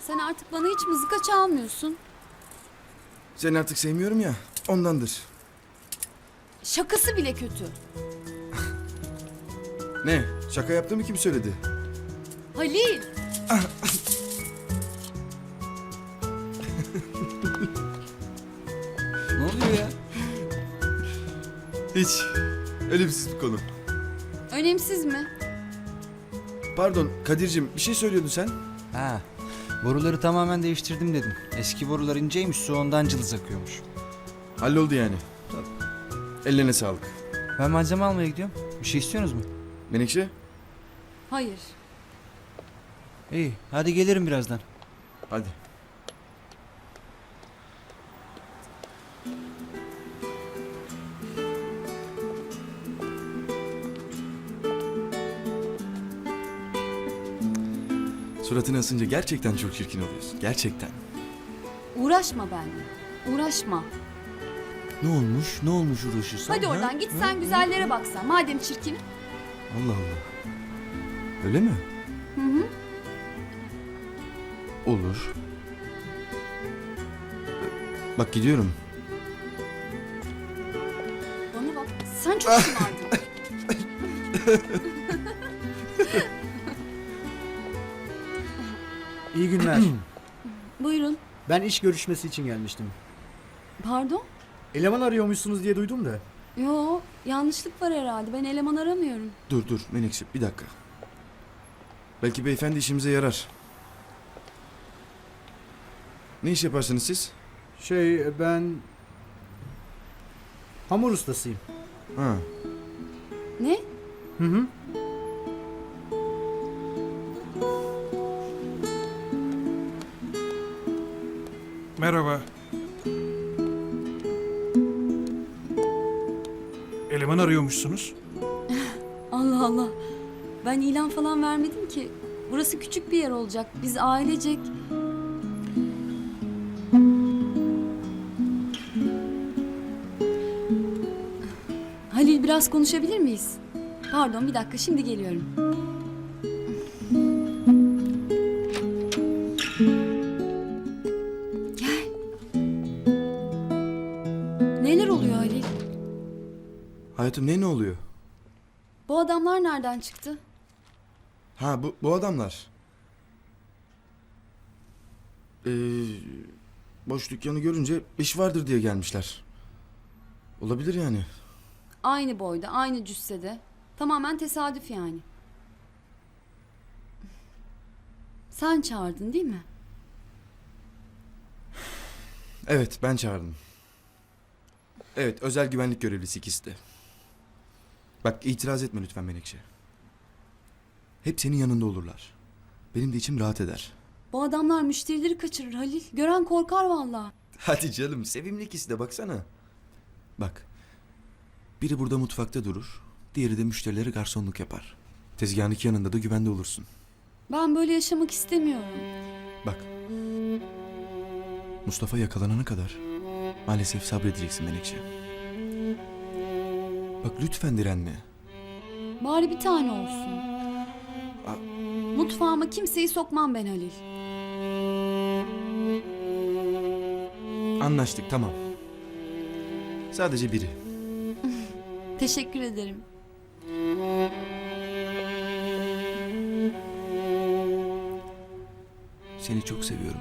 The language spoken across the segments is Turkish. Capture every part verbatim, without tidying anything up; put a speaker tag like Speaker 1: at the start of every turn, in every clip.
Speaker 1: Sen artık bana hiç mızıka çalmıyorsun.
Speaker 2: Seni artık sevmiyorum ya, ondandır.
Speaker 1: Şakası bile kötü.
Speaker 2: Ne? Şaka yaptığımı kim söyledi?
Speaker 1: Halil.
Speaker 3: Ne oluyor ya?
Speaker 2: Hiç. Önemsiz bir konu.
Speaker 1: Önemsiz mi?
Speaker 2: Pardon Kadir'cim, bir şey söylüyordun sen.
Speaker 3: Ha, boruları tamamen değiştirdim dedim. Eski borular inceymiş, su ondan cılız akıyormuş.
Speaker 2: Halloldu yani. Ellerine sağlık.
Speaker 3: Ben malzeme almaya gidiyorum. Bir şey istiyorsunuz mu?
Speaker 2: Menekşe?
Speaker 1: Hayır.
Speaker 3: İyi, hadi gelirim birazdan.
Speaker 2: Hadi. Suratını asınca gerçekten çok çirkin oluyorsun. Gerçekten.
Speaker 1: Uğraşma benimle. Uğraşma.
Speaker 2: Ne olmuş? Ne olmuş uğraşırsan?
Speaker 1: Hadi
Speaker 2: ha?
Speaker 1: oradan git
Speaker 2: Ha?
Speaker 1: sen güzellere baksan. Madem çirkin.
Speaker 2: Allah Allah. Öyle mi?
Speaker 1: Hı hı.
Speaker 2: Olur. Bak gidiyorum.
Speaker 1: Bana bak. Sen çok şımardın.
Speaker 4: İyi günler.
Speaker 1: Buyurun.
Speaker 4: Ben iş görüşmesi için gelmiştim.
Speaker 1: Pardon?
Speaker 4: Eleman arıyormuşsunuz diye duydum da.
Speaker 1: Yo, yanlışlık var herhalde. Ben eleman aramıyorum.
Speaker 2: Dur dur Menekşe bir dakika. Belki beyefendi işimize yarar. Ne iş yaparsınız siz?
Speaker 4: Şey ben... Hamur ustasıyım.
Speaker 2: Ha.
Speaker 1: Ne?
Speaker 4: Hı hı.
Speaker 5: Merhaba. Eleman arıyormuşsunuz.
Speaker 1: Allah Allah. Ben ilan falan vermedim ki. Burası küçük bir yer olacak. Biz ailecek... Halil biraz konuşabilir miyiz? Pardon bir dakika şimdi geliyorum. Gel. Neler oluyor Halil?
Speaker 2: Hayatım ne ne oluyor?
Speaker 1: Bu adamlar nereden çıktı?
Speaker 2: Ha bu, bu adamlar. Ee, boş dükkanı görünce iş vardır diye gelmişler. Olabilir yani.
Speaker 1: Aynı boyda, aynı cüssede. Tamamen tesadüf yani. Sen çağırdın değil mi?
Speaker 2: Evet ben çağırdım. Evet özel güvenlik görevlisi ikisi de. Bak itiraz etme lütfen Menekşe. Hep senin yanında olurlar. Benim de içim rahat eder.
Speaker 1: Bu adamlar müşterileri kaçırır Halil. Gören korkar vallahi.
Speaker 2: Hadi canım sevimli ikisi de baksana. Bak. Biri burada mutfakta durur. Diğeri de müşterilere garsonluk yapar. Tezgahın iki yanında da güvende olursun.
Speaker 1: Ben böyle yaşamak istemiyorum.
Speaker 2: Bak. Mustafa yakalanana kadar maalesef sabredeceksin Menekşe. Bak lütfen direnme.
Speaker 1: Bari bir tane olsun.
Speaker 2: A-
Speaker 1: Mutfağıma kimseyi sokmam ben Halil.
Speaker 2: Anlaştık tamam. Sadece biri.
Speaker 1: Teşekkür ederim.
Speaker 2: Seni çok seviyorum.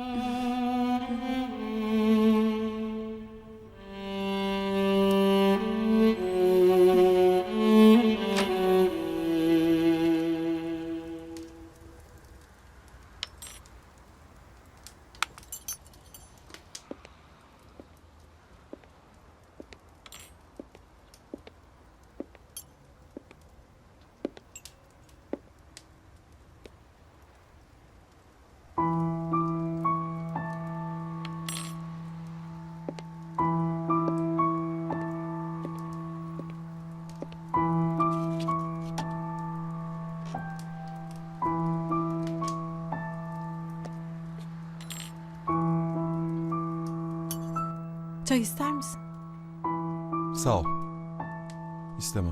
Speaker 6: Çay ister misin?
Speaker 7: Sağ ol. İstemem.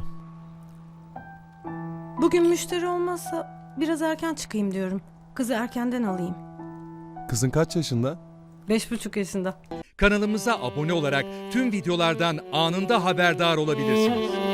Speaker 6: Bugün müşteri olmazsa biraz erken çıkayım diyorum. Kızı erkenden alayım.
Speaker 7: Kızın kaç yaşında?
Speaker 6: Beş buçuk yaşında.
Speaker 8: Kanalımıza abone olarak tüm videolardan anında haberdar olabilirsiniz.